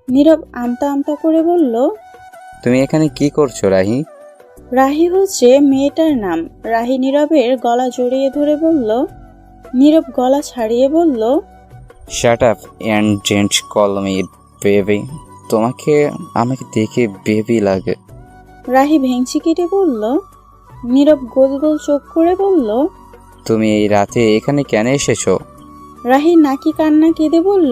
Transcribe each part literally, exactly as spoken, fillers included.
নীরব আমতা আমতা করে বলল, তুমি এখানে কি করছো রাহি? রাহি হচ্ছে মেয়েটার নাম। রাহি নীরবের গলা জড়িয়ে ধরে বলল। নীরব গলা ছাড়িয়ে বলল, shut up and don't call me baby. তোমাকে আমাকে দেখে বেবি লাগে। রাহি ভেংচি কেটে বলল। নীরব গোল গোল চোখ করে বলল, তুমি এই রাতে এখানে কেন এসেছো? রাহি নাকি কান্না কেঁদে বলল।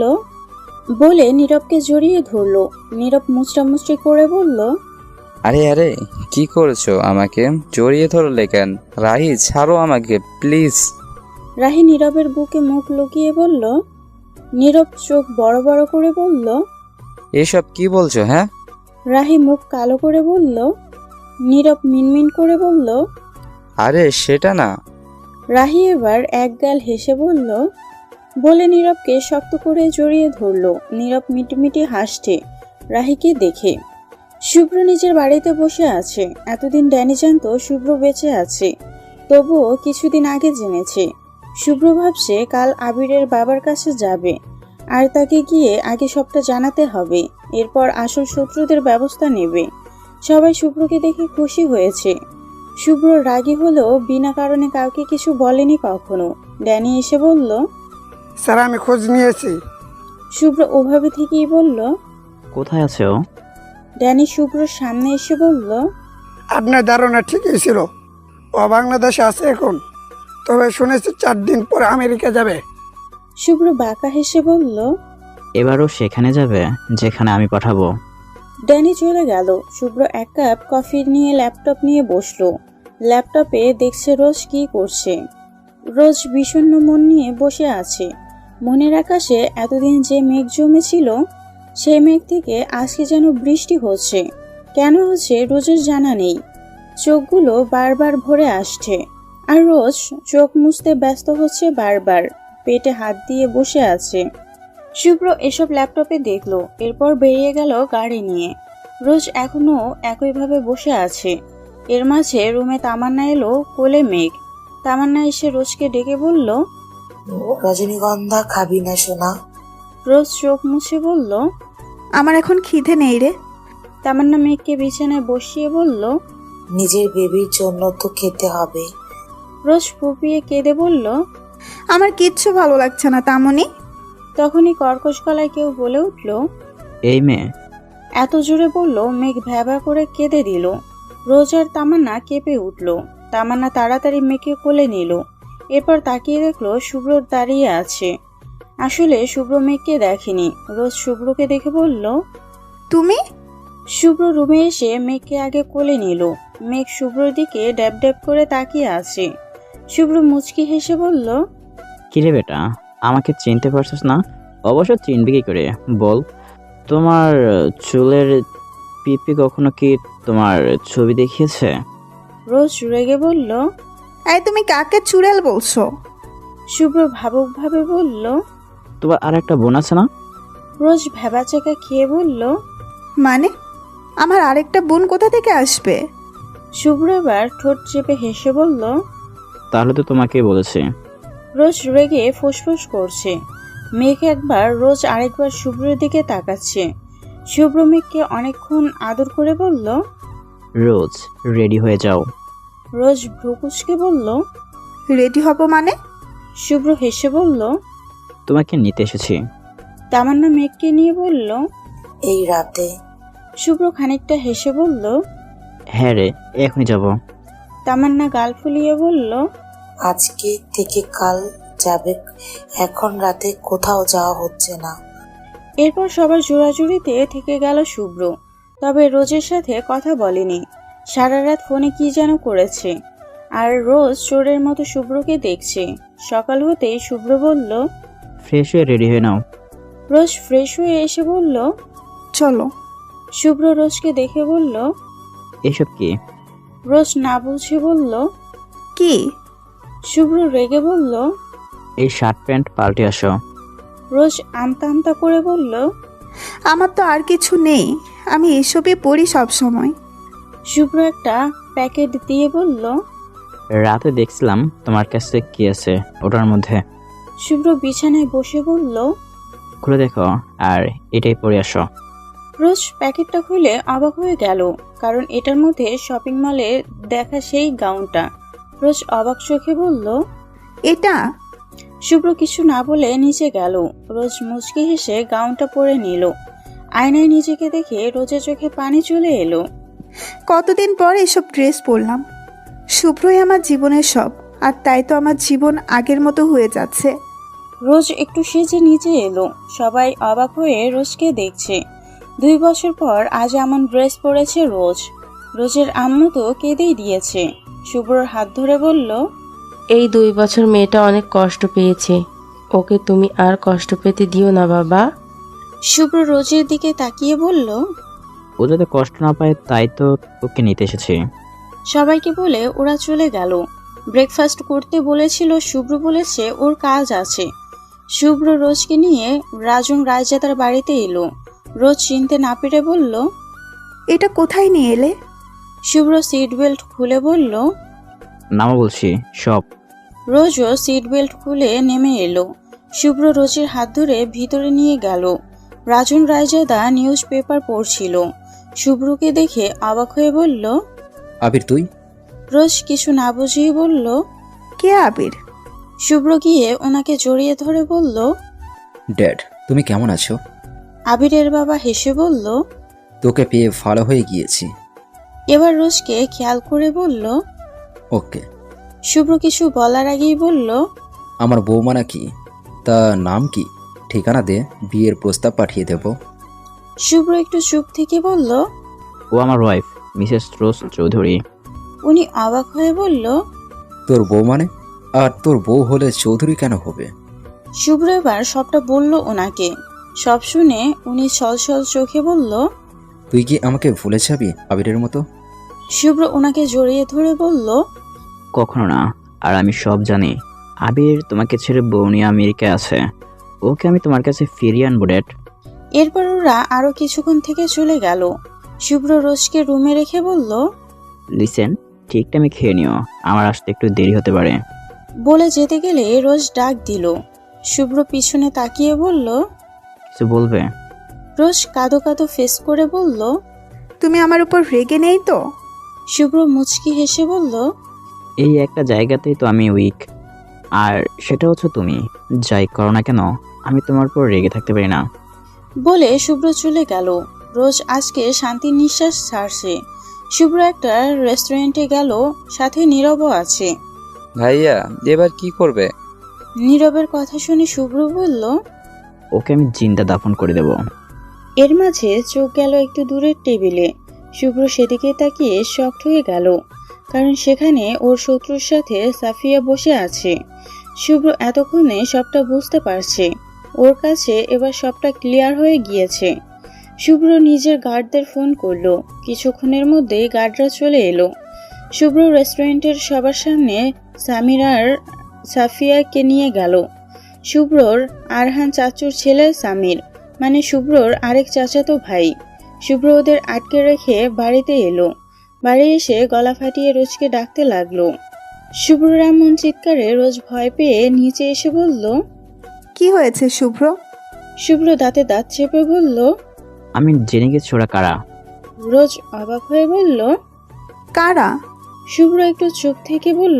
বলে নীরবকে জড়িয়ে ধরল। নীরব মুচড়া মুচড়ি করে বলল, আরে আরে কি করেছো? আমাকে জড়িয়ে ধরলে কেন? রাহি ছাড়ো আমাকে প্লিজ। রাহি নীরবের বুকে মুখ লুকিয়ে বলল। নীরব চোখ বড় বড় করে বলল। এসব কি বলছো? হ্যাঁ, রাহি মুখ কালো করে বলল। নীরব মিনমিন করে বলল। আরে সেটা না। রাহি এবার একগাল হেসে বলল। বলে নীরবকে শক্ত করে জড়িয়ে ধরল। নীরব মিটমিটি হাসছে রাহিকে দেখে। শুভ্র নিজের বাড়িতে বসে আছে। এতদিন ড্যানি জানতো শুভ্র বেঁচে আছে, তবুও কিছুদিন আগে জেনেছে। শুভ্র ভাবছে কাল আবিরের বাবার কাছে যাবে, আর তাকে গিয়ে আগে সবটা জানাতে হবে, এরপর আসল শত্রুদের ব্যবস্থা নেবে। সবাই শুভ্রকে দেখে খুশি হয়েছে। শুভ্র রাগী হলেও বিনা কারণে কাউকে কিছু বলেনি কখনো। ড্যানি এসে বলল, স্যার আমি খোঁজ নিয়েছি। শুভ্র ওভাবে থেকেই বলল। কোথায় আছে ও? ড্যানি শুভ্রর সামনে এসে বলল, আপনার ধারণা ঠিকই ছিল, ও বাংলাদেশে আছে এখন, তবে শুনেছি চার দিন পরে আমেরিকা যাবে। শুভ্র বাঁকা হেসে বলল। এবারও সেখানে যাবে যেখানে আমি পাঠাবো। ড্যানি চলে গেল। শুভ্র এক কাপ কফি নিয়ে ল্যাপটপ নিয়ে বসলো। ল্যাপটপে দেখছে রোজ কি করছে। রোজ বিষণ্ণ মন নিয়ে বসে আছে। মনের আকাশে এতদিন যে মেঘ জমেছিল, সেই মেঘ থেকে আজকে যেন বৃষ্টি হচ্ছে। কেন হচ্ছে রোজের জানা নেই। চোখগুলো বারবার ভরে আসছে, আর রোজ চোখ মুছতে ব্যস্ত হচ্ছে বারবার। পেটে হাত দিয়ে বসে আছে। শুভ্র এসব ল্যাপটপে দেখলো, এরপর বেরিয়ে গেল গাড়ি নিয়ে। রোজ এখনো একইভাবে বসে আছে। এর মাঝে রুমে তামান্না এলো, কোলে মেঘ। তামান্না এসে রোজকে ডেকে বলল, রজনীগন্ধা খাবি না সোনা? রোজ চোখ মুছে বলল, আমার এখন খিদে নেই রে। তামান্না মেঘকে বিছানায় বসিয়ে বলল, নিজের বেবির জন্য তো খেতে হবে। রোজ ফুপিয়ে কেঁদে বলল, আমার কিচ্ছু ভালো লাগছে না তামনি। তখনই কর্কশ গলায় কেউ বলে উঠল, এই মেয়ে। এত জোরে বলল মেঘ ভ্যাবা করে কেঁদে দিল। রোজ আর তামান্না কেঁপে উঠল। তামান্না তাড়াতাড়ি মেঘকে কোলে নিল। এরপর তাকিয়ে দেখলো শুভ্র দাঁড়িয়ে আছে। আসলে শুভ্র মেঘকে দেখেনি। রোজ শুভ্রকে দেখে বলল, তুমি? শুভ্র রুমে এসে মেঘকে আগে কোলে নিল। মেঘ শুভ্রর দিকে ড্যাব ড্যাব করে তাকিয়ে আছে। শুভ্র মুচকি হেসে বলল, কিরে বেটা, আমাকে চিনতে পারছিস না? অবশ্য চিনবি কি করে বল? তোমার চুলের পিপি কখনো কি তোমার ছবি দেখিয়েছে? রোজ রেগে বলল। এই তুমি কাকে চুড়েল বলছো? শুভ্র ভাবুক ভাবে বলল। তোমার আর একটা বোন আছে না? রোজ ভেবাচাকা খেয়ে বলল। মানে আমার আরেকটা বোন কোথা থেকে আসবে? শুভ্র এবার ঠোঁট চেপে হেসে বলল। তাহলে তো তোমাকেই বলেছি। রোজ রেগে ফুসফুস করছে। মেঘ একবার, রোজ আরেকবার শুভ্রের দিকে তাকাচ্ছে। শুভ্র মেঘকে অনেকক্ষণ আদর করে বলল, রোজ রেডি হয়ে যাও। রোজ ভ্রুকুচকে বলল, রেডি হব মানে? শুভ্র হেসে বলল। তোমাকে নিতে এসেছি। তামান্না মেঘকে নিয়ে বলল, এই রাতে? শুভ্র খানিকটা হেসে বলল, হ্যাঁ রে, এখনই যাব। তামান্না গাল ফুলিয়ে বলল, আজকে থেকে কাল যাবে, এখন রাতে কোথাও যাওয়া হচ্ছে না। এরপর সবার জোড়াজুড়িতে থেকে গেল শুভ্র। তবে রোজের সাথে কথা বলেনি। সারা রাত ফোনে কি যেন করেছে। আর রোজ চোরের মতো শুভ্রকে দেখছে। সকাল হতেই শুভ্র বলল, ফ্রেশ হয়ে রেডি হয়ে নাও। রোজ ফ্রেশ হয়ে এসে বলল, চলো। শুভ্র রোজকে দেখে বলল, এসব কি? রোজ না বুঝে বলল, কি? শুভ্র রেগে বলল, এই শার্ট প্যান্ট পাল্টে আসো। রোজ আমতা আমতা করে বলল, আমার তো আর কিছু নেই, আমি এসবই পড়ি সব সময়। শুভ্র একটা প্যাকেট দিয়ে বলল, রাতে দেখছিলাম তোমার কাছে কি আছে ওটার মধ্যে। শুভ্র বিছানায় বসে বলল, খুলে দেখো আর এটাই পরে আসো। রোজ প্যাকেটটা খুলে অবাক হয়ে গেল, কারণ এটার মধ্যে শপিং মলে দেখা সেই গাউনটা। রোজ অবাক চোখে বলল, এটা? শুভ্র কিছু না বলে নিচে গেল। রোজ মুচকি হেসে গাউনটা পরে নিল। আয়নায় নিজেকে দেখে রোজের চোখে পানি চলে এলো। কতদিন পর এসব ড্রেস পরলাম। শুভ্রই আমার জীবনের সব, আর তাই তো আমার জীবন আগের মতো হয়ে যাচ্ছে। রোজ একটু সেজে নিচে এলো। সবাই অবাক হয়ে রোজকে দেখছে। দুই বছর পর আজ এমন ড্রেস পরেছে রোজ। রোজের আম্মু তো কেঁদেই দিয়েছে। শুভ্রর হাত ধরে বলল, এই দুই বছর মেয়েটা অনেক কষ্ট পেয়েছে, ওকে তুমি আর কষ্ট পেতে দিও না বাবা। শুভ্র রোজের দিকে তাকিয়ে বলল, ও যাতে কষ্ট না পায় তাই তো ওকে নিতে এসেছি। সবাইকে বলে ওরা চলে গেল। ব্রেকফাস্ট করতে বলেছিল, শুভ্র বলেছে ওর কাজ আছে। শুভ্র রোজকে নিয়ে রাজন রায়জাদার বাড়িতে এলো। রোজ চিনতে না পেরে বলল, এটা কোথায় নিয়ে এলে? শুভ্র সিট বেল্ট খুলে বলল। নামা বলছি সব। রোজও সিট বেল্ট খুলে নেমে এলো। শুভ্র রোজের হাত ধরে ভিতরে নিয়ে গেল। রাজন রায়জাদা নিউজ পেপার পড়ছিল। শুভ্রকে দেখে অবাক হয়ে বলল, আবির তুই? রোজ কিছু না বুঝিয়ে বলল। কে আবির? শুভ্র গিয়ে ওনাকে জড়িয়ে ধরে বলল, ড্যাড তুমি কেমন আছো? আবিরের বাবা হেসে বলল। তোকে পেয়ে ভালো হয়ে গিয়েছি। এবার রোজকে খেয়াল করে বলল। ওকে। শুভ্র কিছু বলার আগেই বলল, আমার বৌমা নাকি? তা নাম কি? ঠিকানা দে, বিয়ের প্রস্তাব পাঠিয়ে দেব। শুভ্র একটু চুপ থেকে বলল। ও আমার ওয়াইফ, মিসেস রোজ চৌধুরী। উনি অবাক হয়ে বলল, তোর বউ মানে? আর তোর বউ হলে চৌধুরী কেন হবে? শুভ্র এবার সবটা বলল ওনাকে। সব শুনে উনি ছলছল চোখে বলল, তুই কি আমাকে ভুলে যাবি আবিরের মতো? শুভ্র ওনাকে জড়িয়ে ধরে বলল, কখনো না। আর আমি সব জানি। আবির তোমাকে ছেড়ে বউ নিয়ে আমেরিকায় আছে। ওকে আমি তোমার কাছে ফিরিয়ে আনবো ড্যাড। এরপর ওরা আরো কিছুক্ষণ থেকে চলে গেল। শুভ্র রোজকে রুমে রেখে বলল, লিসেন, ঠিক টাইমে খেয়ে নিও, আমার আসতে একটু দেরি হতে পারে। বলে যেতে গেলে রোজ ডাক দিল। শুভ্র পিছনে তাকিয়ে বলল। কিছু বলবে? রোজ কাঁদো কাঁদো ফেস করে বলল। তুমি আমার উপর রেগে নেই তো? শুভ্র মুচকি হেসে বলল, এই একটা জায়গাতেই তো আমি উইক, আর সেটা হচ্ছে তুমি। যাই করো না কেন, আমি তোমার উপর রেগে থাকতে পারি না। বলে শুভ্র চলে গেল। রোজ আজকে শান্তির নিঃশ্বাস ছাড়ছে। শুভ্র একটা রেস্টুরেন্টে গেল, সাথে নীরবও আছে। ভাইয়া এবার কি করবে? নীরবের কথা শুনে শুভ্র বলল। ওকে আমি জিন্দা দাফন করে দেব। এর মাঝে চোখ গেল একটু দূরের টেবিলে। শুভ্র সেদিকে তাকিয়ে শকড হয়ে গেল, কারণ সেখানে ওর শত্রুর সাথে সাফিয়া বসে আছে। শুভ্র এতক্ষণে সবটা বুঝতে পারছে। ওর কাছে এবার সবটা ক্লিয়ার হয়ে গিয়েছে। শুভ্র নিজের গার্ডদের ফোন করলো। কিছুক্ষণের মধ্যেই গার্ডরা চলে এলো। শুভ্র রেস্টুরেন্টের সবার সামনে সামির আর সাফিয়াকে নিয়ে গেল। শুভ্রর আরহান চাচুর ছেলে সামির, মানে শুভ্রর আরেক চাচাতো ভাই। শুভ্র ওদের আটকে রেখে বাড়িতে এলো। বাড়ি এসে গলা ফাটিয়ে রোজকে ডাকতে লাগলো। শুভ্রর এমন চিৎকারে রোজ ভয় পেয়ে নিচে এসে বলল, কি হয়েছে শুভ্র? শুভ্র দাঁতে দাঁত চেপে বলল। আমি জেনে গেছি ওরা কারা। রোজ অবাক হয়ে বলল, কারা? শুভ্র একটু চুপ থেকে বলল,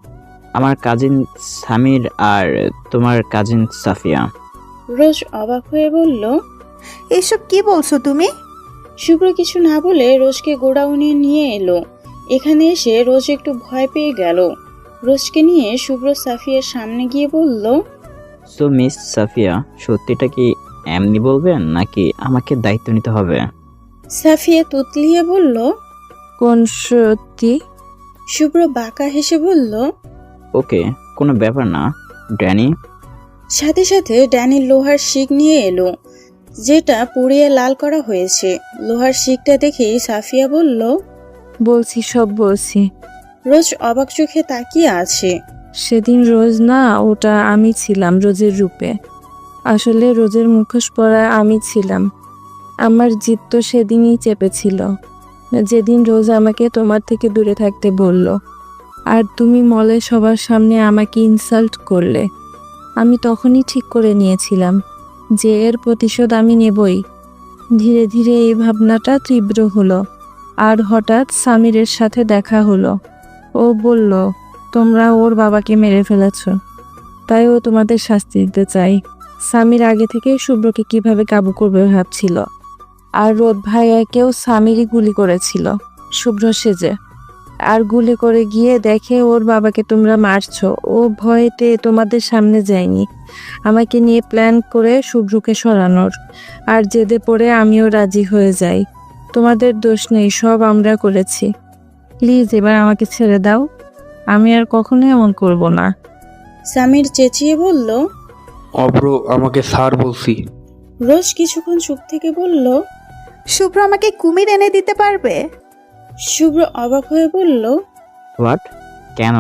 আমার কাজিন সামির আর তোমার কাজিন সাফিয়া। রোজ অবাক হয়ে বলল। এসব কি বলছো তুমি? শুভ্র কিছু না বলে রোজকে গোডাউনে নিয়ে এলো। এখানে এসে রোজ একটু ভয় পেয়ে গেল। রোজকে নিয়ে শুভ্র সাফিয়ার সামনে গিয়ে বলল, সো মিস সাফিয়া, সত্যিটা কি এমনি বলবেন নাকি আমাকে দায়িত্ব নিতে হবে? সাফিয়া তুতলিয়ে বলল। কোন সত্যি? শুভ্র বাঁকা হেসে বলল। ওকে, কোনো ব্যাপার না ড্যানি। সাথে সাথে ড্যানির লোহার শিক নিয়ে এলো, যেটা পুড়িয়ে লাল করা হয়েছে। লোহার শিকটা দেখেই সাফিয়া বলল, বলছি সব বলছি। রোজ অবাক চোখে তাকিয়ে আছে। সেদিন রোজ না, ওটা আমি ছিলাম রোজের রূপে। আসলে রোজের মুখোশ পরা আমি ছিলাম। আমার জিদ তো সেদিনই চেপেছিল, যেদিন রোজ আমাকে তোমার থেকে দূরে থাকতে বলল। আর তুমি মলে সবার সামনে আমাকে ইনসাল্ট করলে। আমি তখনই ঠিক করে নিয়েছিলাম যে এর প্রতিশোধ আমি নেবই। ধীরে ধীরে এই ভাবনাটা তীব্র হলো। আর হঠাৎ সামিরের সাথে দেখা হলো। ও বলল, তোমরা ওর বাবাকে মেরে ফেলেছ, তাই ও তোমাদের শাস্তি দিতে চাই। সামির আগে থেকেই শুভ্রকে কিভাবে কাবু করবে ভাবছিল। আর রোদ ভাইয়াকেও সামিরই গুলি করেছিল শুভ্র সেজে। আর গুলি করে গিয়ে দেখে ওর বাবাকে তোমরা মারছো। ও ভয়েতে তোমাদের সামনে যায়নি, আমাকে নিয়ে প্ল্যান করে শুভ্রকে সরানোর। আর জেদে পড়ে আমিও রাজি হয়ে যাই। তোমাদের দোষ নেই, সব আমরা করেছি। প্লিজ এবার আমাকে ছেড়ে দাও, আমি আর কখনো এমন করব না। সামির চেঁচিয়ে বলল। অব্র, আমাকে স্যার বলছি। রোজ কিছুক্ষণ চুপ থেকে বলল, শুভ্র আমাকে কুমির এনে দিতে পারবে? শুভ্র অবাক হয়ে বলল, হোয়াট? কেন?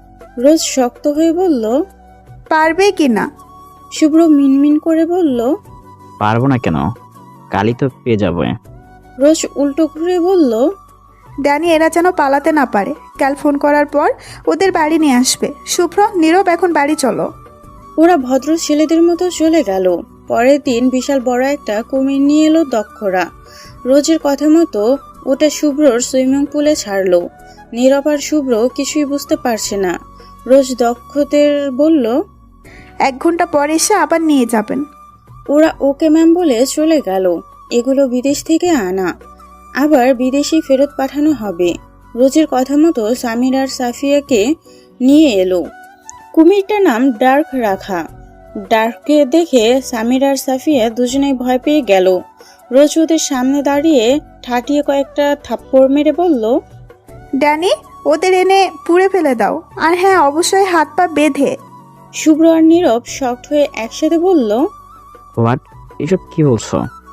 রোজ শক্ত হয়ে বলল, পারবে কি না? শুভ্র মিনমিন করে বলল, পারবো না কেন? কালই তো পেয়ে যাবো। রোজ উল্টো ঘুরে বলল, ড্যানি, এরা যেন পালাতে না পারে। কাল ফোন করার পর ওদের বাড়ি নিয়ে আসবে। শুভ্র, নীরব, এখন বাড়ি চলো। ওরা ভদ্র ছেলেদের মতো চলে গেল। পরের দিন বিশাল বড় একটা কুমির নিয়ে এলো দক্ষরা। রোজের কথা মতো ওটা শুভ্রর সুইমিং পুলে ছাড়লো। নীরব আর শুভ্র কিছুই বুঝতে পারছে না। রোজ দক্ষদের বলল, এক ঘন্টা পর এসে আবার নিয়ে যাবেন। ওরা ওকে ম্যাম বলে চলে গেল। এগুলো বিদেশ থেকে আনা, আবার বিদেশে ফেরত পাঠানো হবে। রোজের কথা মতো সামির আর সাফিয়াকে নিয়ে এলো। কুমিরটার নাম ডার্ক রাখা। ডার্ককে দেখে সামির আর সাফিয়া দুজনেই ভয় পেয়ে গেল। রোজ ওদের সামনে দাঁড়িয়ে ঠাটিয়ে কয়েকটা থাপ্পড় মেরে বলল, ড্যানি, ওদের এনে পুড়ে ফেলে দাও। আর হ্যাঁ, অবশ্যই হাত পা বেঁধে। শুভ্র আর নীরব শক্ট হয়ে একসাথে বলল, হোয়াট? এসব কি বলছো?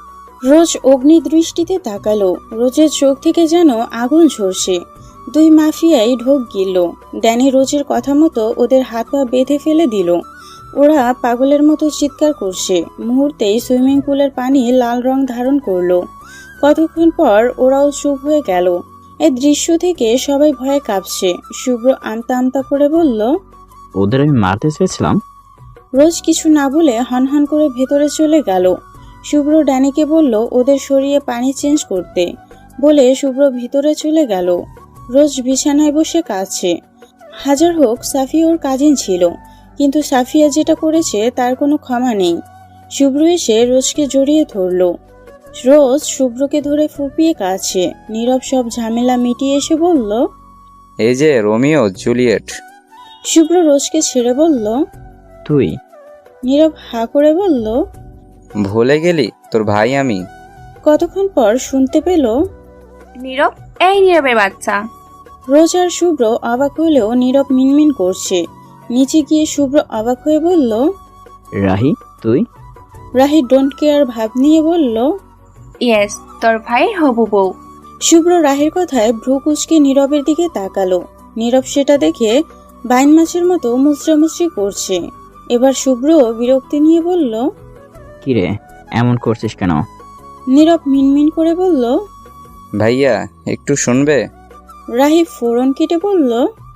রোজ অগ্নি দৃষ্টিতে তাকালো। রোজের চোখ থেকে যেন আগুন ঝরছে। দুই মাফিয়াই ঢোক গিলল। ড্যানি রোজের কথা মতো ওদের হাত পা বেঁধে ফেলে দিল। ওরা পাগলের মতো চিৎকার করছে। মুহূর্তেই সুইমিং পুলের পানি লাল রং ধারণ করলো। কতক্ষণ পর ওরাও চুপ হয়ে গেল। এই দৃশ্য থেকে সবাই ভয়ে কাঁপছে। শুভ্র আমতা আমতা করে বলল, ওদের আমি মারতে চেয়েছিলাম। রোজ কিছু না বলে হনহন করে ভেতরে চলে গেল। শুভ্র ড্যানিকে বলল ওদের সরিয়ে পানি চেঞ্জ করতে। বলে শুভ্র ভিতরে চলে গেল। রোজ বিছানায় বসে কাঁদছে। হাজার হোক সাফিয়া ওর কাজিন ছিল, কিন্তু সাফিয়া যেটা করেছে তার কোনো ক্ষমা নেই। শুভ্র এসে রোজকে জড়িয়ে ধরল। রোজ শুভ্রকে ধরে ফুপিয়ে কাঁদছে। নীরব সব ঝামেলা মিটিয়ে এসে বলল, এই যে রোমিও জুলিয়েট। শুভ্র রোজকে ছেড়ে বলল, তুই? নীরব হা করে বলল, ভুলে গেলি তোর ভাই আমি। কতক্ষণ পর শুনতে পেল, নীরব, এই নীরবের বাচ্চা। রোজ আর শুভ্র অবাক হলেও নীরব মিনমিন করছে। নিচে গিয়ে শুভ্র অবাক হয়ে বলল, রাহি, তুই? রাহি ডোন্ট কেয়ার ভাব নিয়ে বলল, ইয়েস, তোর ভাইয়ের হবু বউ। শুভ্র রাহির কথায় ভ্রু কুচকে নীরবের দিকে তাকালো। নীরব সেটা দেখে বাইন মাছের মতো মুচড়ামুচড়ি করছে। এবার শুভ্র বিরক্তি নিয়ে বলল, কিরে, এমন করছিস কেন? নীরব মিনমিন করে বলল, ভাইয়া একটু শুনবে? রাহি ফোড়ন কেটে বলল,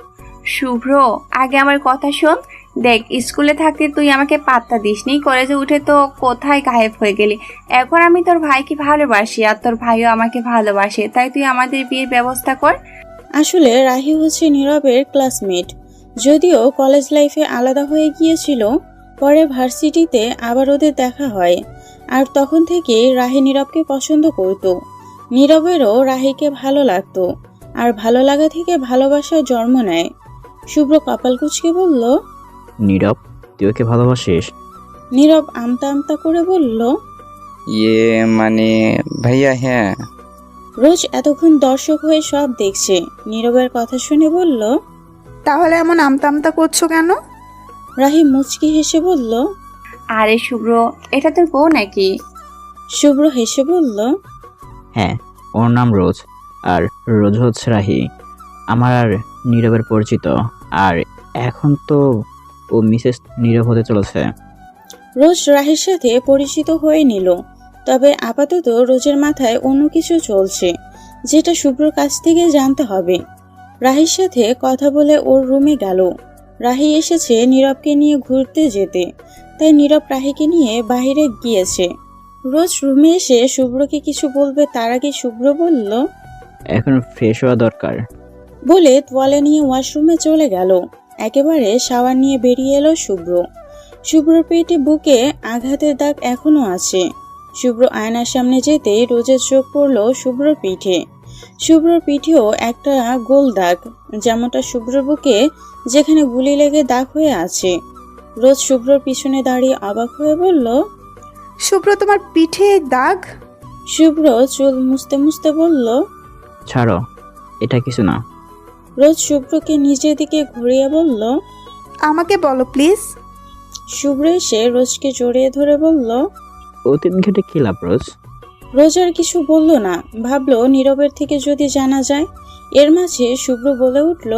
শুভ্র, আগে আমার কথা শোন। দেখ, স্কুলে থাকতে তুই আমাকে পাত্তা দিসনি, কলেজে উঠে তো কোথায় গায়েব হয়ে গেলি। এখন আমি তোর ভাইকে ভালোবাসি আর তোর ভাইও আমাকে ভালোবাসে, তাই তুই আমাদের বিয়ের ব্যবস্থা কর। আসলে রাহি হচ্ছে নীরবের ক্লাসমেট। যদিও কলেজ লাইফে আলাদা হয়ে গিয়েছিল, পরে ভার্সিটিতে আবার ওদের দেখা হয়। আর তখন থেকেই রাহি নীরবকে পছন্দ করত। নীরবেরও রাহিকে ভালো লাগতো, আর ভালো লাগা থেকে ভালোবাসার জন্ম নেয়। শুভ্র কপাল কুঁচকে বলল, নীরব, তুই ওকে ভালোবাসিস? নীরব আমতা আমতা করে বলল, ইয়ে মানে ভাইয়া হ্যাঁ। রোজ এতক্ষণ দর্শক হয়ে সব দেখছে। নীরবের কথা শুনে বলল, তাহলে এমন আমতা আমতা করছো কেন? রাহি মুচকি হেসে বলল, আরে শুভ্র, এটা তোর বউ নাকি? শুভ্র হেসে বলল, হ্যাঁ, ওর নাম রোজ, আর রোজ হচ্ছে রাহি, আমার আর নীরবের পরিচিত। আর এখন তো ও মিসেস নীরব হতে চলেছে। রোজ রাহির সাথে পরিচিত হয়ে নিল। তবে আপাতত রোজের মাথায় অন্য কিছু চলছে, যেটা শুভ্রর কাছ থেকে জানতে হবে। রাহির সাথে কথা বলে ওর রুমে গেল। রাহি এসেছে নীরবকে নিয়ে ঘুরতে যেতে, তাই নীরব রাহিকে নিয়ে বাইরে গিয়েছে। রোজ রুমে এসে শুভ্রকে কিছু বলবে তার আগে শুভ্র বলল, এখন ফ্রেশ হওয়া দরকার। বলে তোয়ালে নিয়ে ওয়াশরুমে চলে গেল। একেবারে শাওয়ার নিয়ে বেরিয়ে এলো শুভ্র। শুভ্রর পেটে বুকে আঘাতের দাগ এখনো আছে। শুভ্র আয়নার সামনে যেতেই রোজের চোখ পড়ল শুভ্রর পিঠে। শুভ্রর পিঠেও একটা গোল দাগ, যেমনটা শুভ্রর বুকে যেখানে গুলি লেগে দাগ হয়ে আছে। রোজ শুভ্রর পিছনে দাঁড়িয়ে অবাক হয়ে বলল, শুভ্র, তোমার পিঠে দাগ? শুভ্র চুল মুছতে মুছতে বলল, ছাড়ো, এটা কিছু না। রোজ শুভ্রকে নিজের দিকে ঘুরিয়ে বলল, আমাকে বলো প্লিজ। শুভ্র এসে রোজকে জড়িয়ে ধরে বলল, অতীত ঘেটে কি লাভ রোজ? রোজ আর কিছু বলল না, ভাবলো নীরবের থেকে যদি জানা যায়। এর মাঝে শুভ্র বলে উঠল,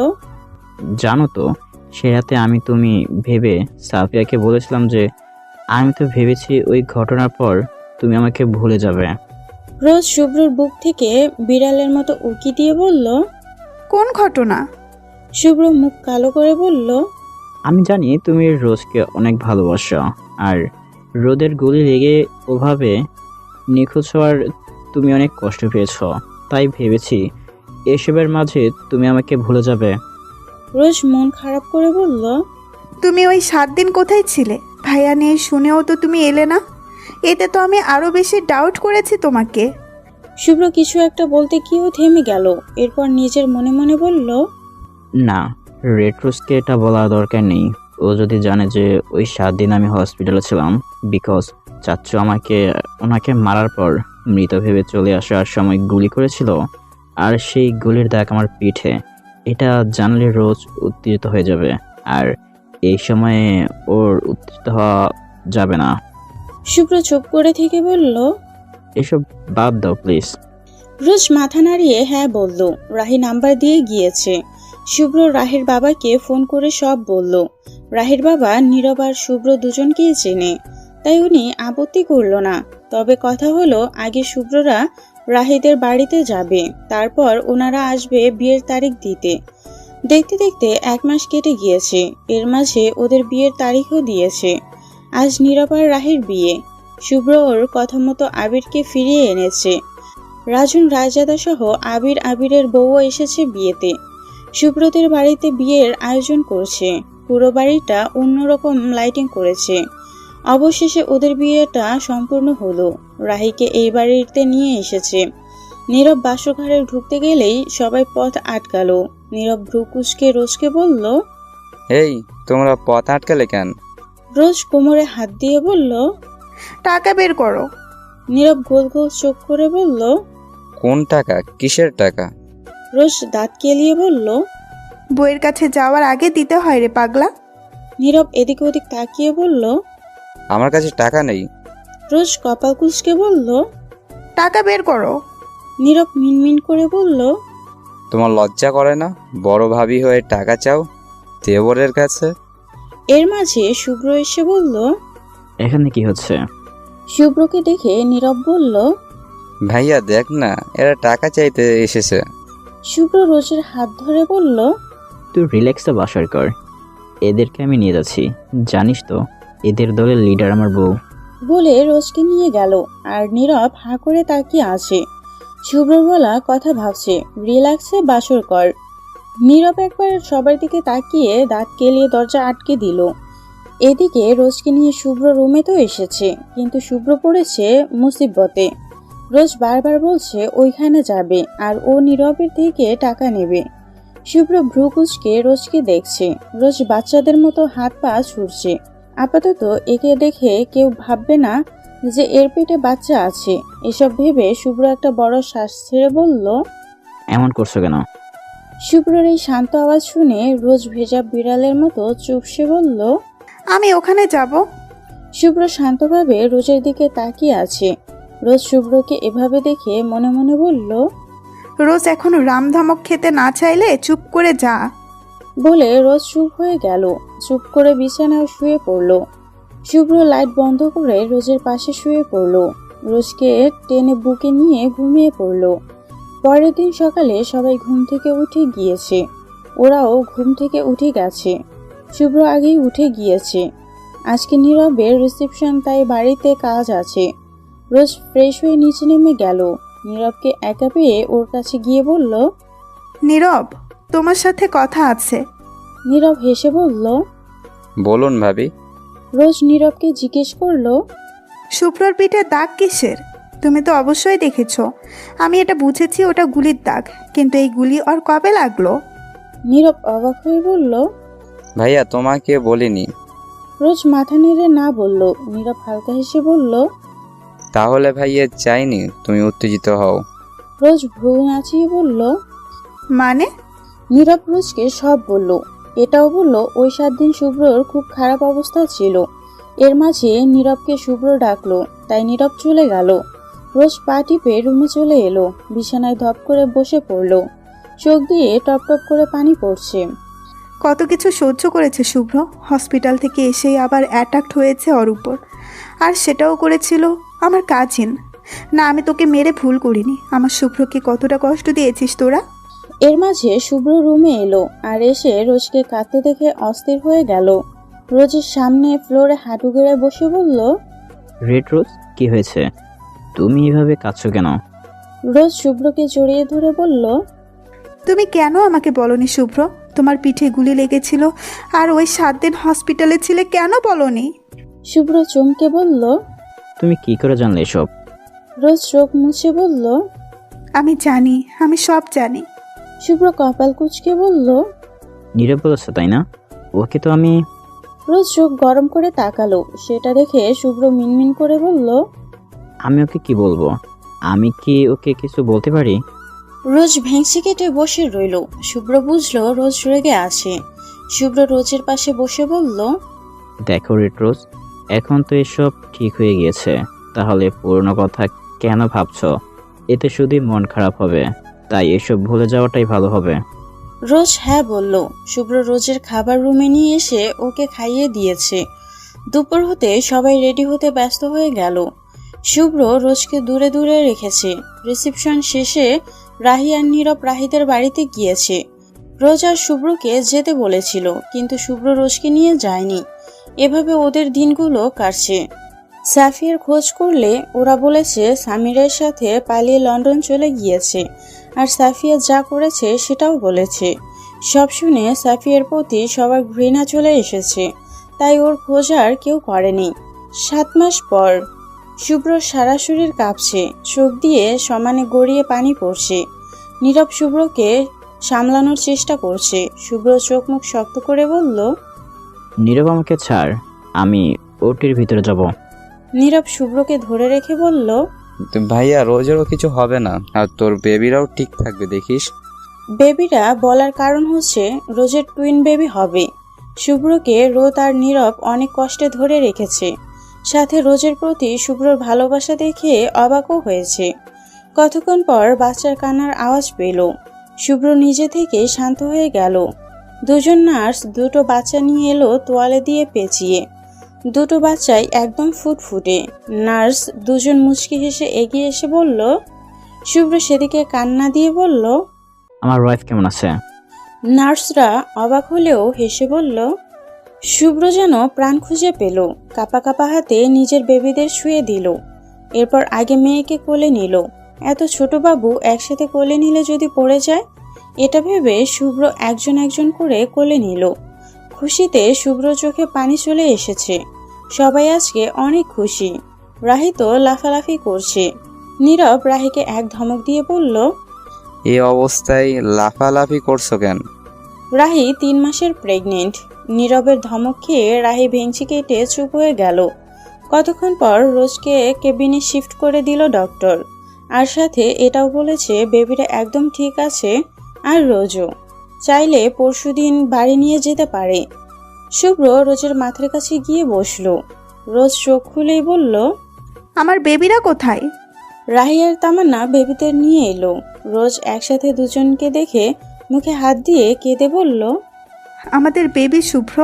জানো তো, সে রাতে আমি তুমি ভেবে সাফিয়াকে বলেছিলাম যে আমি তো ভেবেছি ওই ঘটনার পর তুমি আমাকে ভুলে যাবে। রোজ শুভ্রর বুক থেকে বিড়ালের মতো উকি দিয়ে বলল, কোন ঘটনা? শুভ্র মুখ কালো করে বলল, আমি জানি তুমি রোজকে অনেক ভালোবাসো, আর রোদের গুলি লেগে ওভাবে নিখোঁজ হওয়ার তুমি অনেক কষ্ট পেয়েছ, তাই ভেবেছি এসবের মাঝে তুমি আমাকে ভুলে যাবে। রোজ মন খারাপ করে বলল, তুমি ওই সাত দিন কোথায় ছিলে? ভাইয়া নেই শুনেও তো তুমি এলে না। এতে তো আমি আরো বেশি ডাউট করেছি তোমাকে। শুভ্র কিছু একটা বলতে গিয়েও থেমে গেল। এরপর নিজের মনে মনে বলল, না, রেড রোজকে এটা বলার দরকার নেই। ও যদি জানে যে ওই সাত দিন আমি হসপিটালে ছিলাম বিকজ চাচ্চু আমাকে ওনাকে মারার পর মৃত ভেবে চলে আসার সময় গুলি করেছিল, আর সেই গুলির দাগ আমার পিঠে, এটা জানলে রোজ উত্তেজিত হয়ে যাবে, আর এই সময়ে ওর উত্তেজিত হওয়া যাবে না। শুভ্র চুপ করে থেকে বলল, এসব বাদ দাও প্লিজ। রোজ মাথা নাড়িয়ে হ্যাঁ বলল। রাহি নাম্বার দিয়ে গিয়েছে। শুভ্র রাহের বাবাকে ফোন করে সব বলল। রাহের বাবা নীরব আর শুভ্র দুজনকেই চেনে, তাই উনি আপত্তি করল না। তবে কথা হলো, আগে শুভ্ররা রাহিদের বাড়িতে যাবে, তারপর ওনারা আসবে বিয়ের তারিখ দিতে। দেখতে দেখতে এক মাস কেটে গিয়েছে। এর মাঝে ওদের বিয়ের তারিখও দিয়েছে। আজ নীরব আর রাহের বিয়ে। শুভ্র ওর কথা মতো আবিরকে ফিরিয়ে এনেছে। রাজন রায়জাদা সহ আবির আবিরের বউও এসেছে বিয়েতে। শুভ্রদের বাড়িতে বিয়ের আয়োজন করছে। পুরো বাড়িটা অন্যরকম লাইটিং করেছে। অবশেষে ওদের বিয়েটা সম্পূর্ণ হলো। রাহিকে এই বাড়িতে নিয়ে এসেছে। নীরব বাসঘরে ঢুকতে গেলেই সবাই পথ আটকালো। নীরব ভ্রুকুচকে রোজকে বলল, এই তোমরা পথ আটকালে কেন? রোজ কোমরে হাত দিয়ে বলল, টাকা বের করো। নীরব গোল গোল চোখ করে বলল, কোন টাকা? কিসের টাকা? রোজ দাঁত কেলিয়ে বলল, বইয়ের কাছে যাওয়ার আগে দিতে হয় রে পাগলা। নীরব এদিক ওদিক তাকিয়ে বলল, আমার কাছে টাকা নেই। রোজ কপাল কুঁচকে বলল, টাকা বের করো। নীরব মিনমিন করে বলল, তোমার লজ্জা করে না? বড় ভাবি হয়ে টাকা চাও দেবরের কাছে? এর মাঝে শুভ্র এসে বলল। এখানে কি হচ্ছে? শুভ্রকে দেখে নীরব বলল, ভাইয়া দেখ না, এরা টাকা চাইতে এসেছে। শুভ্র রোজের হাত ধরে বলল, তুই রিল্যাক্সে বাসার কর, এদেরকে আমি নিয়ে যাচ্ছি। জানিস তো এদের দলের লিডার আমার বউ। বলে রোজকে নিয়ে গেল। আর নীরব হাঁ করে তাকিয়ে আছে। শুভ্র বলা কথা ভাবছে, রিল্যাক্সে বাসর কর। নীরব একবার সবার দিকে তাকিয়ে দাঁত কেলিয়ে দরজা আটকে দিল। এদিকে রোজকে নিয়ে শুভ্র রুমে তো এসেছে, কিন্তু শুভ্র পড়েছে মুসিবতে। রোজ বারবার বলছে ওইখানে যাবে, আর ও নীরবের থেকে টাকা নেবে। শুভ্র ভ্রুকুচকে রোজকে দেখছে। রোজ বাচ্চাদের মতো হাত পা ছুটছে। আপাতত একে দেখে কেউ ভাববে না যে এর পেটে বাচ্চা আছে। এসব ভেবে শুভ্র একটা বড় শ্বাস ছেড়ে বলল, এমন করছো কেন? শুভ্রর এই শান্ত আওয়াজ শুনে রোজ ভেজা বিড়ালের মতো চুপসে বলল, আমি ওখানে যাব। শুভ্র শান্তভাবে রোজের দিকে তাকিয়ে আছে। রোজ শুভ্রকে এভাবে দেখে মনে মনে বলল, রোজ এখন রামধামক খেতে না চাইলে চুপ করে যা। বলে রোজ চুপ হয়ে গেল। চুপ করে বিছানায় শুয়ে পড়ল। শুভ্র লাইট বন্ধ করে রোজের পাশে শুয়ে পড়ল। রোজকে টেনে বুকে নিয়ে ঘুমিয়ে পড়ল। পরের দিন সকালে সবাই ঘুম থেকে উঠে গিয়েছে। ওরাও ঘুম থেকে উঠে গেছে। শুভ্র আগেই উঠে গিয়েছে। আজকে নীরবের রিসেপশন, তাই বাড়িতে কাজ আছে। রোজ ফ্রেশ হয়ে নিচে নেমে গেল। নীরবকে একা পেয়ে ওর কাছে গিয়ে বলল, নীরব, তোমার সাথে কথা আছে। নীরব হেসে বলল। বলুন ভাবি। রোজ নীরবকে জিজ্ঞেস করলো, শুভ্রর পিঠে দাগ কিসের? তুমি তো অবশ্যই দেখেছো। আমি এটা বুঝেছি ওটা গুলির দাগ, কিন্তু এই গুলি ওর কবে লাগলো? নীরব অবাক হয়ে বলল। ভাইয়া তোমাকে বলিনি। রোজ মাথা নেড়ে না বলল। নীরব হালকা হেসে বলল, তাহলে ভাইয়া চাইনি তুমি উত্তেজিত হও। রোজ ভ্রু নাচিয়ে বলল, মানে? নীরব রোজকে সব বলল। এটাও বলল ওই সাত দিন শুভ্রর খুব খারাপ অবস্থা ছিল। এর মাঝে নীরবকে শুভ্র ডাকলো, তাই নীরব চলে গেল। রোজ পা টিপে রুমে চলে এলো, বিছানায় ধপ করে বসে পড়ল। চোখ দিয়ে টপ টপ করে পানি পড়ছে। কত কিছু সহ্য করেছে শুভ্র, হসপিটাল থেকে এসেই আবার অ্যাটাক হয়েছে ওর উপর, আর সেটাও করেছিল আমার কাজিন। না, আমি তোকে মেরে ভুল করিনি। আমার শুভ্রকে কতটা কষ্ট দিয়েছিস তোরা। এর মাঝে শুভ্র রুমে এলো আর এসে রোজকে কাঁদতে দেখে অস্থির হয়ে গেল। রোজের সামনে ফ্লোরে হাঁটু গেড়ে বসে বলল, রেড রোজ, কি হয়েছে? তুমি এভাবে কাঁদছো কেন? রোজ শুভ্রকে জড়িয়ে ধরে বলল, তুমি কেন আমাকে বলনি শুভ্র? তোমার পিঠে গুলি লেগেছিল আর ওই সাত দিন হসপিটালে ছিলে, কেন বলনি? শুভ্র চমকে বলল। তুমি কি করে জানলে এসব? রোজ চোখ মুছে বলল, আমি জানি, আমি সব জানি। শুভ্র কপাল কুঁচকে বলল। নীরব বলেছে তাই না? ওকে তো আমি। রোজ চোখ গরম করে তাকালো। সেটা দেখে শুভ্র মিনমিন করে বলল, আমি ওকে কি বলবো? আমি কি ওকে কিছু বলতে পারি? রোজ ভেংসি কেটে বসে রইল। শুভ্র বুঝলো রোজ রেগে আছে। শুভ্র রোজের পাশে বসে বলল, দেখো রেড রোজ, এখন তো এসব ঠিক হয়ে গিয়েছে, তাহলে পুরনো কথা কেন ভাবছো? এতে শুধুই মন খারাপ হবে, তাই এসব ভুলে যাওয়াটাই ভালো হবে। রোজ হ্যাঁ বলল। শুভ্র রোজের খাবার রুমে নিয়ে এসে ওকে খাইয়ে দিয়েছে। দুপুর হতে সবাই রেডি হতে ব্যস্ত হয়ে গেল। শুভ্র রোজকে দূরে দূরে রেখেছে। রিসেপশন শেষে রাহি আর নীরব রাহিদের বাড়িতে গিয়েছে। রোজ আর শুভ্রকে যেতে বলেছিল, কিন্তু শুভ্র রোজকে নিয়ে যায়নি। এভাবে ওদের দিনগুলো কাটছে। সাফিয়ার খোঁজ করলে ওরা বলেছে সামিরের সাথে পালিয়ে লন্ডন চলে গিয়েছে, আর সাফিয়া যা করেছে সেটাও বলেছে। সব শুনে সাফিয়ার প্রতি সবার ঘৃণা চলে এসেছে, তাই ওর খোঁজ আর কেউ করেনি। সাত মাস পর শুভ্র সারা শরীর কাঁপছে, চোখ দিয়ে সমানে গড়িয়ে পানি পড়ছে। নীরব শুভ্রকে সামলানোর চেষ্টা করছে। শুভ্র চোখ মুখ শক্ত করে বলল, নীরব আমাকে ছাড়, আমি ওটির ভিতরে যাব। নীরব শুভ্রকে ধরে রেখে বলল, ভাইয়া রোজেরও কিছু হবে না, আর তোর বেবিরাও ঠিক থাকবে দেখিস। বেবিরা বলার কারণ হচ্ছে রোজের টুইন বেবি হবে। শুভ্রকে রোদ আর নীরব অনেক কষ্টে ধরে রেখেছে। সাথে রোজের প্রতি শুভ্রর ভালোবাসা দেখে অবাকও হয়েছে। কতক্ষণ পর বাচ্চার কান্নার আওয়াজ পেল। শুভ্র নিজে থেকে শান্ত হয়ে গেল। দুজন নার্স দুটো বাচ্চা নিয়ে এলো তোয়ালে দিয়ে পেঁচিয়ে। দুটো বাচ্চাই একদম ফুটফুটে। নার্স দুজন মুচকি হেসে এগিয়ে এসে বলল। শুভ্র সেদিকে কান্না দিয়ে বলল, আমার ওয়াইফ কেমন আছে? নার্সরা অবাক হলেও হেসে বলল। শুভ্র যেন প্রাণ খুঁজে পেল। কাপা কাপা হাতে নিজের বেবিদের শুয়ে দিল। এরপর আগে মেয়েকে কোলে নিল। এত ছোট বাবু একসাথে কোলে নিলে যদি পড়ে যায়, এটা ভেবে শুভ্র একজন একজন করে কোলে নিল। খুশিতে শুভ্র চোখে পানি চলে এসেছে। সবাই আজকে অনেক খুশি। রাহি তো লাফালাফি করছে। নীরব রাহিকে এক ধমক দিয়ে বলল, এই অবস্থায় লাফালাফি করছো কেন? রাহি তিন মাসের প্রেগনেন্ট। নীরবের ধমক খেয়ে রাহি ভেঙচি কেটে চুপ হয়ে গেল। কতক্ষণ পর রোজকে কেবিনে শিফট করে দিল ডক্টর, আর সাথে এটাও বলেছে বেবিটা একদম ঠিক আছে, আর রোজও চাইলে পরশুদিন বাড়ি নিয়ে যেতে পারে। শুভ্র রোজের মাথার কাছে গিয়ে বসলো। রোজ চোখ খুলেই বলল, আমার বেবিরা কোথায়? রাহি আর তামান্না বেবিদের নিয়ে এলো। রোজ একসাথে দুজনকে দেখে মুখে হাত দিয়ে কেঁদে বলল, আমাদের বেবি শুভ্র।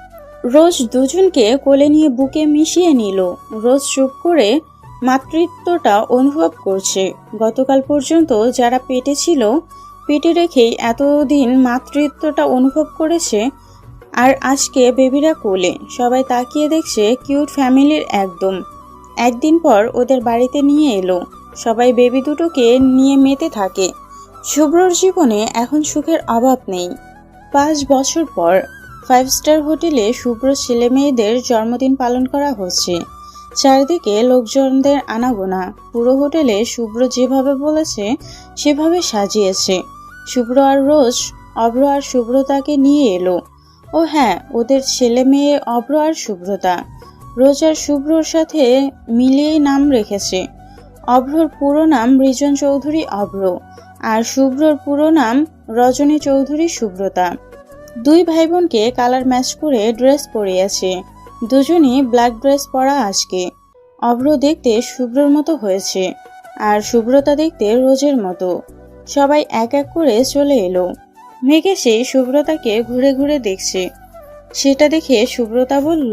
রোজ দুজনকে কোলে নিয়ে বুকে মিশিয়ে নিল। রোজ চুপ করে মাতৃত্বটা অনুভব করছে। গতকাল পর্যন্ত যারা পেটে ছিল, পেটে রেখেই এতদিন মাতৃত্বটা অনুভব করেছে, আর আজকে বেবিরা কোলে। সবাই তাকিয়ে দেখছে কিউট ফ্যামিলির একদম। একদিন পর ওদের বাড়িতে নিয়ে এলো। সবাই বেবি দুটোকে নিয়ে মেতে থাকে। শুভ্রর জীবনে এখন সুখের অভাব নেই। পাঁচ বছর পর ফাইভ স্টার হোটেলে শুভ্র ছেলে মেয়েদের জন্মদিন পালন করা হচ্ছে। চারিদিকে লোকজনদের আনাগোনা। পুরো হোটেলে শুভ্র যেভাবে বলেছে সেভাবে সাজিয়েছে। শুভ্র আর রোজ অভ্র আর শুভ্রতাকে নিয়ে এলো। ও হ্যাঁ, ওদের ছেলে মেয়ে অভ্র আর শুভ্রতা। রোজ আর শুভ্রর সাথে মিলিয়েই নাম রেখেছে। অভ্রর পুরো নাম রিজন চৌধুরী অভ্র, আর শুভ্রর পুরো নাম রজনী চৌধুরী শুভ্রতা। দুই ভাই বোনকে কালার ম্যাচ করে ড্রেস পরিয়েছে। দুজনই ব্ল্যাক ড্রেস পরা আজকে। অভ্র দেখতে শুভ্রর মতো হয়েছে, আর শুভ্রতা দেখতে রোজের মতো। সবাই এক এক করে চলে এলো। মেঘ এসে শুভ্রতাকে ঘুরে ঘুরে দেখছে। সেটা দেখে শুভ্রতা বলল,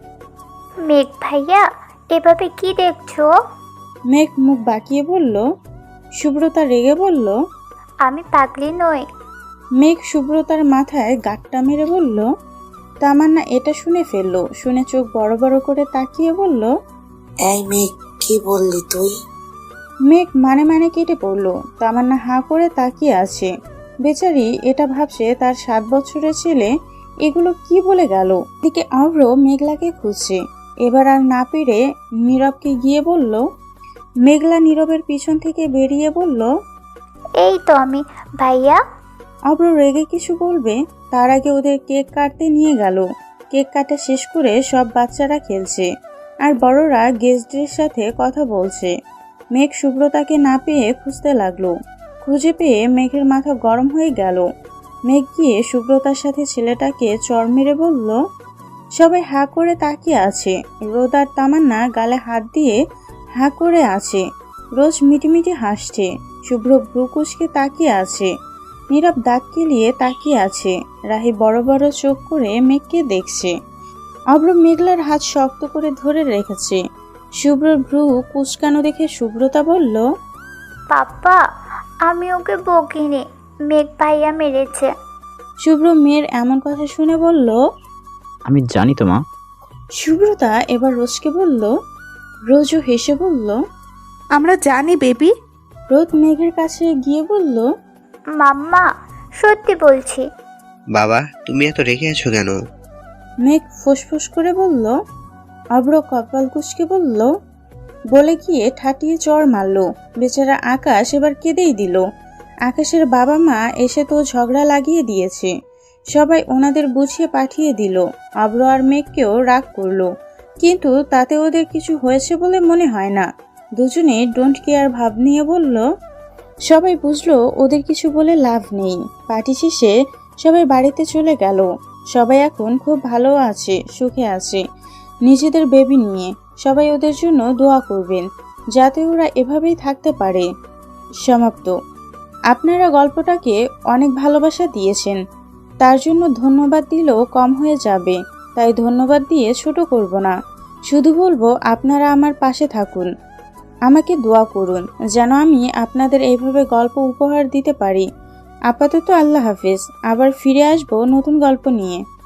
মেঘ ভাইয়া, এভাবে কি দেখছো? মেঘ মুখ বাঁকিয়ে বলল। শুভ্রতা রেগে বলল, আমি পাগলি নই। মেঘ শুভ্রতার মাথায় গাঁটটা মেরে বলল। তামান্না এটা শুনে ফেললো। শুনে চোখ বড় বড় করে তাকিয়ে বলল, এই মেঘ, কি বললি তুই? মেঘ মানে মানে কেটে পড়ল। তামান্না হাঁ করে তাকিয়ে আছে। বেচারি এটা ভাবছে তার সাত বছরের ছেলে এগুলো কি বলে গেল। এদিকে অভ্র মেঘলাকে খুঁজছে। এবার আর না পেরে নীরবকে গিয়ে বলল। মেঘলা নীরবের পিছন থেকে বেরিয়ে বলল, এই তো আমি ভাইয়া। অভ্র রেগে কিছু বলবে, তার আগে ওদের কেক কাটতে নিয়ে গেল। কেক কাটা শেষ করে সব বাচ্চারা খেলছে, আর বড়রা গেস্টদের সাথে কথা বলছে। মেঘ শুভ্রতাকে না পেয়ে খুঁজতে লাগলো। খুঁজে পেয়ে মেঘের মাথা গরম হয়ে গেল। মেঘ গিয়ে শুভ্রতার সাথে ছেলেটাকে চড় মেরে বলল। সবাই হাঁ করে তাকিয়ে আছে। রোদ আর তামান্না গালে হাত দিয়ে হাঁ করে আছে। রোজ মিটিমিটি হাসছে। শুভ্র ভ্রু কুঁচকে তাকিয়ে আছে। নীরব দাঁত কেলিয়ে তাকিয়ে আছে। রাহি বড় বড় চোখ করে মেঘকে দেখছে। অভ্র মেঘলার হাত শক্ত করে ধরে রেখেছে। শুভ্রর ভ্রু কুচকানো দেখে শুভ্রতা বলল, পাপ্পা, আমি ওকে বকিনি, মেঘ ভাইয়া মেরেছে। শুভ্র মেয়ের এমন কথা শুনে বলল, আমি জানি তো মা। শুভ্রতা এবার রোজকে বলল। রোজও হেসে বলল, আমরা জানি বেবি। রোদ মেঘের কাছে গিয়ে বলল, মাম্মা, সত্যি বলছি। বাবা, তুমি এত রেগে আছো কেন? মেঘ ফুসফুস করে বলল। অভ্র কপাল কুঁচকে বলল, বলে গিয়ে ঠাটিয়ে চড় মারল। বেচারা আকাশ এবার কেঁদেই দিল। আকাশের বাবা মা এসে তো ঝগড়া লাগিয়ে দিয়েছে। সবাই ওনাদের বুঝিয়ে পাঠিয়ে দিল। অভ্র আর মেঘকেও রাগ করলো, কিন্তু তাতে ওদের কিছু হয়েছে বলে মনে হয় না। দুজনে ডোন্ট কেয়ার ভাব নিয়ে বলল। সবাই বুঝলো ওদের কিছু বলে লাভ নেই। পার্টি শেষে সবাই বাড়িতে চলে গেল। সবাই এখন খুব ভালো আছে, সুখে আছে নিজেদের বেবি নিয়ে। সবাই ওদের জন্য দোয়া করবেন যাতে ওরা এভাবেই থাকতে পারে। সমাপ্ত। আপনারা গল্পটাকে অনেক ভালোবাসা দিয়েছেন, তার জন্য ধন্যবাদ দিলেও কম হয়ে যাবে। তাই ধন্যবাদ দিয়ে ছোট করব না। শুধু বলবো আপনারা আমার পাশে থাকুন, আমাকে দোয়া করুন যেন আমি আপনাদের এইভাবে গল্প উপহার দিতে পারি। আপাতত আল্লাহ হাফেজ। আবার ফিরে আসবো নতুন গল্প নিয়ে।